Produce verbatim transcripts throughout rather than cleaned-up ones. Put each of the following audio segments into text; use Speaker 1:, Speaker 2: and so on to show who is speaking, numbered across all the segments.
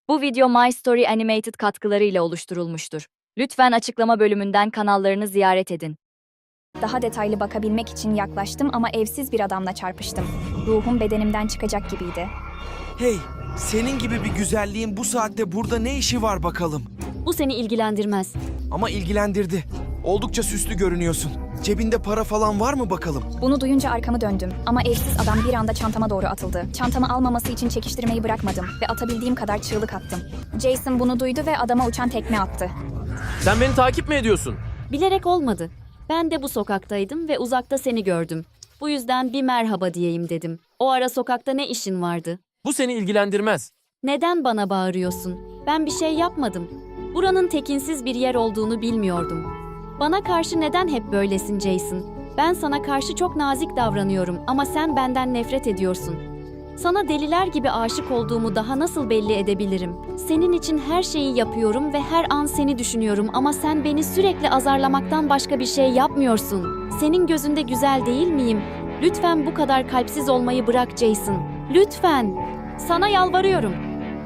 Speaker 1: Bu video My Story Animated katkılarıyla oluşturulmuştur. Lütfen açıklama bölümünden kanallarını ziyaret edin.
Speaker 2: Daha detaylı bakabilmek için yaklaştım ama evsiz bir adamla çarpıştım. Ruhum bedenimden çıkacak gibiydi.
Speaker 3: Hey, senin gibi bir güzelliğin bu saatte burada ne işi var bakalım?
Speaker 4: Bu seni ilgilendirmez.
Speaker 3: Ama ilgilendirdi. Oldukça süslü görünüyorsun. Cebinde para falan var mı bakalım?
Speaker 2: Bunu duyunca arkamı döndüm ama evsiz adam bir anda çantama doğru atıldı. Çantamı almaması için çekiştirmeyi bırakmadım ve atabildiğim kadar çığlık attım. Jason bunu duydu ve adama uçan tekme attı.
Speaker 5: Sen beni takip mi ediyorsun?
Speaker 4: Bilerek olmadı. Ben de bu sokaktaydım ve uzakta seni gördüm. Bu yüzden bir merhaba diyeyim dedim. O ara sokakta ne işin vardı?
Speaker 5: Bu seni ilgilendirmez.
Speaker 4: Neden bana bağırıyorsun? Ben bir şey yapmadım. Buranın tekinsiz bir yer olduğunu bilmiyordum. Bana karşı neden hep böylesin Jason? Ben sana karşı çok nazik davranıyorum ama sen benden nefret ediyorsun. Sana deliler gibi aşık olduğumu daha nasıl belli edebilirim? Senin için her şeyi yapıyorum ve her an seni düşünüyorum ama sen beni sürekli azarlamaktan başka bir şey yapmıyorsun. Senin gözünde güzel değil miyim? Lütfen bu kadar kalpsiz olmayı bırak Jason. Lütfen. Sana yalvarıyorum.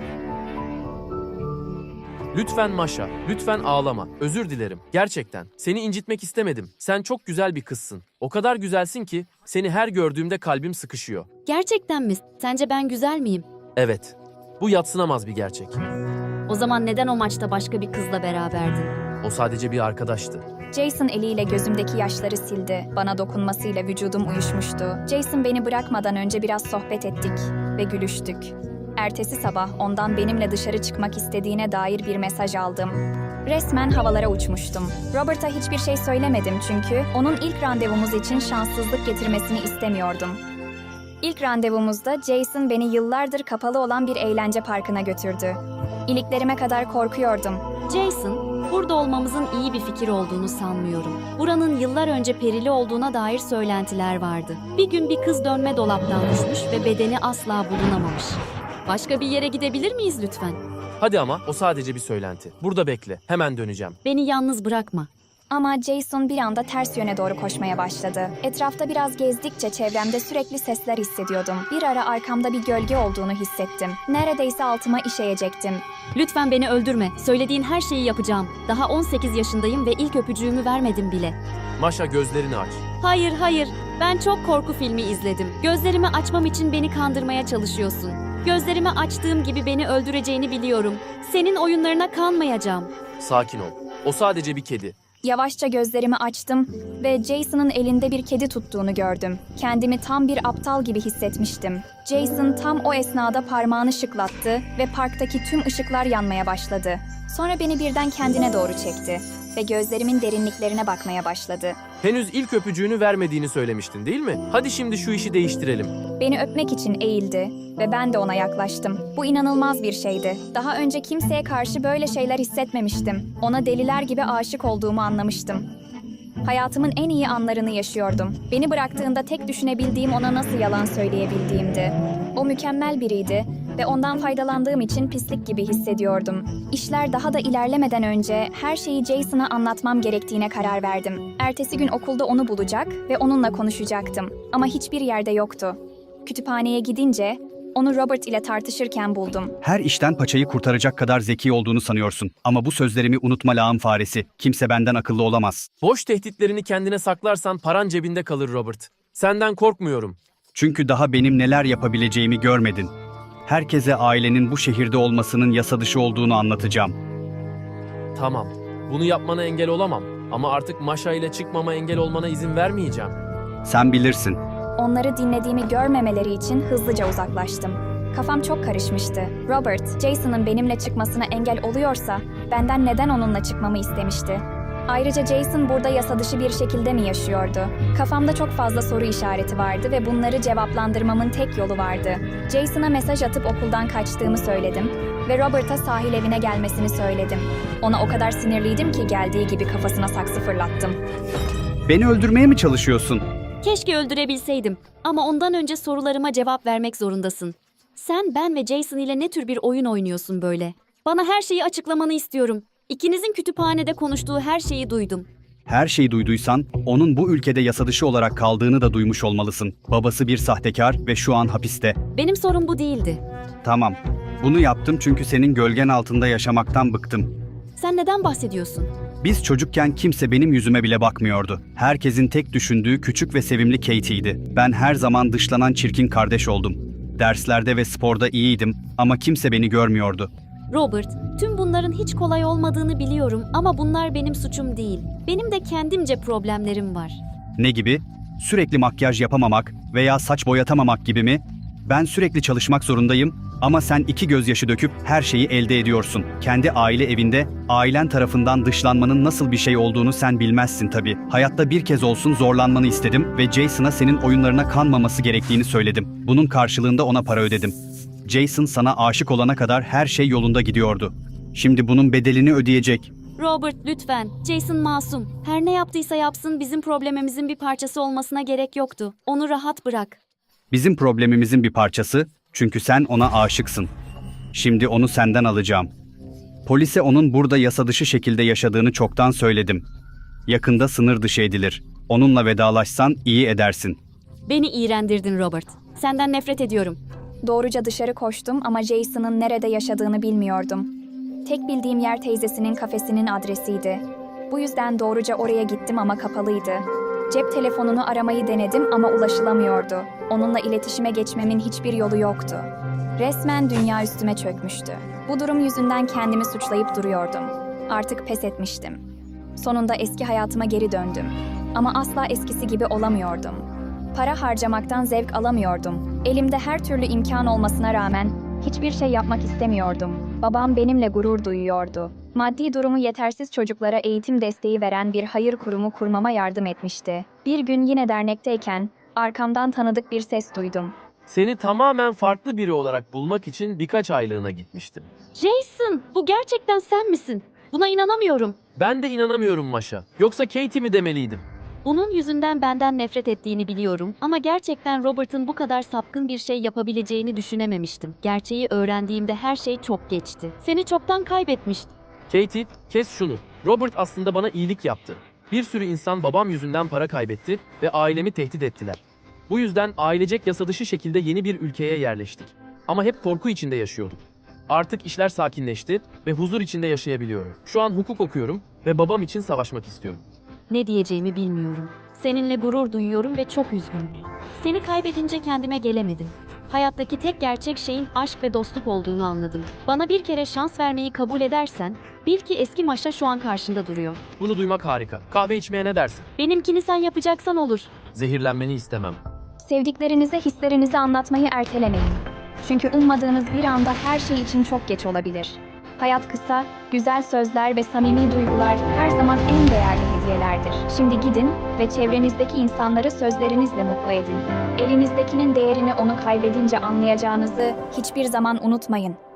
Speaker 5: Lütfen Masha, lütfen ağlama. Özür dilerim. Gerçekten. Seni incitmek istemedim. Sen çok güzel bir kızsın. O kadar güzelsin ki seni her gördüğümde kalbim sıkışıyor.
Speaker 4: Gerçekten mi? Sence ben güzel miyim?
Speaker 5: Evet. Bu yadsınamaz bir gerçek.
Speaker 4: O zaman neden o maçta başka bir kızla beraberdin?
Speaker 5: O sadece bir arkadaştı.
Speaker 2: Jason eliyle gözümdeki yaşları sildi. Bana dokunmasıyla vücudum uyuşmuştu. Jason beni bırakmadan önce biraz sohbet ettik ve gülüştük. Ertesi sabah ondan benimle dışarı çıkmak istediğine dair bir mesaj aldım. Resmen havalara uçmuştum. Robert'a hiçbir şey söylemedim çünkü onun ilk randevumuz için şanssızlık getirmesini istemiyordum. İlk randevumuzda Jason beni yıllardır kapalı olan bir eğlence parkına götürdü. İliklerime kadar korkuyordum.
Speaker 4: Jason, burada olmamızın iyi bir fikir olduğunu sanmıyorum. Buranın yıllar önce perili olduğuna dair söylentiler vardı. Bir gün bir kız dönme dolaptan düşmüş ve bedeni asla bulunamamış. Başka bir yere gidebilir miyiz lütfen?
Speaker 5: Hadi ama o sadece bir söylenti. Burada bekle. Hemen döneceğim.
Speaker 4: Beni yalnız bırakma.
Speaker 2: Ama Jason bir anda ters yöne doğru koşmaya başladı. Etrafta biraz gezdikçe çevremde sürekli sesler hissediyordum. Bir ara arkamda bir gölge olduğunu hissettim. Neredeyse altıma işeyecektim.
Speaker 4: Lütfen beni öldürme. Söylediğin her şeyi yapacağım. Daha on sekiz yaşındayım ve ilk öpücüğümü vermedim bile.
Speaker 5: Masha, gözlerini aç.
Speaker 4: Hayır, hayır. Ben çok korku filmi izledim. Gözlerimi açmam için beni kandırmaya çalışıyorsun. Gözlerimi açtığım gibi beni öldüreceğini biliyorum. Senin oyunlarına kanmayacağım.
Speaker 5: Sakin ol. O sadece bir kedi.
Speaker 2: Yavaşça gözlerimi açtım ve Jason'ın elinde bir kedi tuttuğunu gördüm. Kendimi tam bir aptal gibi hissetmiştim. Jason tam o esnada parmağını şıklattı ve parktaki tüm ışıklar yanmaya başladı. Sonra beni birden kendine doğru çekti ve gözlerimin derinliklerine bakmaya başladı.
Speaker 5: Henüz ilk öpücüğünü vermediğini söylemiştin, değil mi? Hadi şimdi şu işi değiştirelim.
Speaker 2: Beni öpmek için eğildi ve ben de ona yaklaştım. Bu inanılmaz bir şeydi. Daha önce kimseye karşı böyle şeyler hissetmemiştim. Ona deliler gibi aşık olduğumu anlamıştım. Hayatımın en iyi anlarını yaşıyordum. Beni bıraktığında tek düşünebildiğim ona nasıl yalan söyleyebildiğimdi. O mükemmel biriydi ve ondan faydalandığım için pislik gibi hissediyordum. İşler daha da ilerlemeden önce her şeyi Jason'a anlatmam gerektiğine karar verdim. Ertesi gün okulda onu bulacak ve onunla konuşacaktım. Ama hiçbir yerde yoktu. Kütüphaneye gidince onu Robert ile tartışırken buldum.
Speaker 6: Her işten paçayı kurtaracak kadar zeki olduğunu sanıyorsun. Ama bu sözlerimi unutma lağım faresi. Kimse benden akıllı olamaz.
Speaker 5: Boş tehditlerini kendine saklarsan paran cebinde kalır Robert. Senden korkmuyorum.
Speaker 6: Çünkü daha benim neler yapabileceğimi görmedin. Herkese ailenin bu şehirde olmasının yasa dışı olduğunu anlatacağım.
Speaker 5: Tamam. Bunu yapmana engel olamam. Ama artık Masha ile çıkmama engel olmana izin vermeyeceğim.
Speaker 6: Sen bilirsin.
Speaker 2: Onları dinlediğimi görmemeleri için hızlıca uzaklaştım. Kafam çok karışmıştı. Robert, Jason'ın benimle çıkmasına engel oluyorsa benden neden onunla çıkmamı istemişti? Ayrıca Jason burada yasa dışı bir şekilde mi yaşıyordu? Kafamda çok fazla soru işareti vardı ve bunları cevaplandırmamın tek yolu vardı. Jason'a mesaj atıp okuldan kaçtığımı söyledim ve Robert'a sahil evine gelmesini söyledim. Ona o kadar sinirliydim ki geldiği gibi kafasına saksı fırlattım.
Speaker 6: Beni öldürmeye mi çalışıyorsun?
Speaker 4: Keşke öldürebilseydim. Ama ondan önce sorularıma cevap vermek zorundasın. Sen, ben ve Jason ile ne tür bir oyun oynuyorsun böyle? Bana her şeyi açıklamanı istiyorum. İkinizin kütüphanede konuştuğu her şeyi duydum.
Speaker 6: Her şeyi duyduysan, onun bu ülkede yasa dışı olarak kaldığını da duymuş olmalısın. Babası bir sahtekar ve şu an hapiste.
Speaker 4: Benim sorum bu değildi.
Speaker 6: Tamam, Bunu yaptım çünkü senin gölgen altında yaşamaktan bıktım.
Speaker 4: Sen neden bahsediyorsun?
Speaker 6: Biz çocukken kimse benim yüzüme bile bakmıyordu. Herkesin tek düşündüğü küçük ve sevimli Katie'ydi. Ben her zaman dışlanan çirkin kardeş oldum. Derslerde ve sporda iyiydim ama kimse beni görmüyordu.
Speaker 4: Robert, tüm bunların hiç kolay olmadığını biliyorum ama bunlar benim suçum değil. Benim de kendimce problemlerim var.
Speaker 6: Ne gibi? Sürekli makyaj yapamamak veya saç boyatamamak gibi mi? Ben sürekli çalışmak zorundayım ama sen iki gözyaşı döküp her şeyi elde ediyorsun. Kendi aile evinde ailen tarafından dışlanmanın nasıl bir şey olduğunu sen bilmezsin tabii. Hayatta bir kez olsun zorlanmanı istedim ve Jason'a senin oyunlarına kanmaması gerektiğini söyledim. Bunun karşılığında ona para ödedim. Jason sana aşık olana kadar her şey yolunda gidiyordu. Şimdi bunun bedelini ödeyecek.
Speaker 4: Robert, lütfen. Jason masum. Her ne yaptıysa yapsın, bizim problemimizin bir parçası olmasına gerek yoktu. Onu rahat bırak.
Speaker 6: Bizim problemimizin bir parçası, çünkü sen ona aşıksın. Şimdi onu senden alacağım. Polise onun burada yasa dışı şekilde yaşadığını çoktan söyledim. Yakında sınır dışı edilir. Onunla vedalaşsan iyi edersin.
Speaker 4: Beni iğrendirdin Robert. Senden nefret ediyorum.
Speaker 2: Doğruca dışarı koştum ama Jason'ın nerede yaşadığını bilmiyordum. Tek bildiğim yer teyzesinin kafesinin adresiydi. Bu yüzden doğruca oraya gittim ama kapalıydı. Cep telefonunu aramayı denedim ama ulaşılamıyordu. Onunla iletişime geçmemin hiçbir yolu yoktu. Resmen dünya üstüme çökmüştü. Bu durum yüzünden kendimi suçlayıp duruyordum. Artık pes etmiştim. Sonunda eski hayatıma geri döndüm. Ama asla eskisi gibi olamıyordum. Para harcamaktan zevk alamıyordum. Elimde her türlü imkan olmasına rağmen hiçbir şey yapmak istemiyordum. Babam benimle gurur duyuyordu. Maddi durumu yetersiz çocuklara eğitim desteği veren bir hayır kurumu kurmama yardım etmişti. Bir gün yine dernekteyken arkamdan tanıdık bir ses duydum.
Speaker 5: Seni tamamen farklı biri olarak bulmak için birkaç aylığına gitmiştim.
Speaker 4: Jason, bu gerçekten sen misin? Buna inanamıyorum.
Speaker 5: Ben de inanamıyorum Maşa. Yoksa Katie mi demeliydim?
Speaker 4: Bunun yüzünden benden nefret ettiğini biliyorum ama gerçekten Robert'ın bu kadar sapkın bir şey yapabileceğini düşünememiştim. Gerçeği öğrendiğimde her şey çok geçti. Seni çoktan kaybetmiştim.
Speaker 5: Katie, kes şunu. Robert aslında bana iyilik yaptı. Bir sürü insan babam yüzünden para kaybetti ve ailemi tehdit ettiler. Bu yüzden ailecek yasa dışı şekilde yeni bir ülkeye yerleştik. Ama hep korku içinde yaşıyorduk. Artık işler sakinleşti ve huzur içinde yaşayabiliyorum. Şu an hukuk okuyorum ve babam için savaşmak istiyorum.
Speaker 4: Ne diyeceğimi bilmiyorum. Seninle gurur duyuyorum ve çok üzgünüm. Seni kaybedince kendime gelemedim. Hayattaki tek gerçek şeyin aşk ve dostluk olduğunu anladım. Bana bir kere şans vermeyi kabul edersen, bil ki eski Maşa şu an karşında duruyor.
Speaker 5: Bunu duymak harika. Kahve içmeye ne dersin?
Speaker 4: Benimkini sen yapacaksan olur.
Speaker 5: Zehirlenmeni istemem.
Speaker 2: Sevdiklerinize hislerinizi anlatmayı ertelemeyin. Çünkü ummadığınız bir anda her şey için çok geç olabilir. Hayat kısa, güzel sözler ve samimi duygular her zaman en değerli hediyelerdir. Şimdi gidin ve çevrenizdeki insanları sözlerinizle mutlu edin. Elinizdekinin değerini onu kaybedince anlayacağınızı hiçbir zaman unutmayın.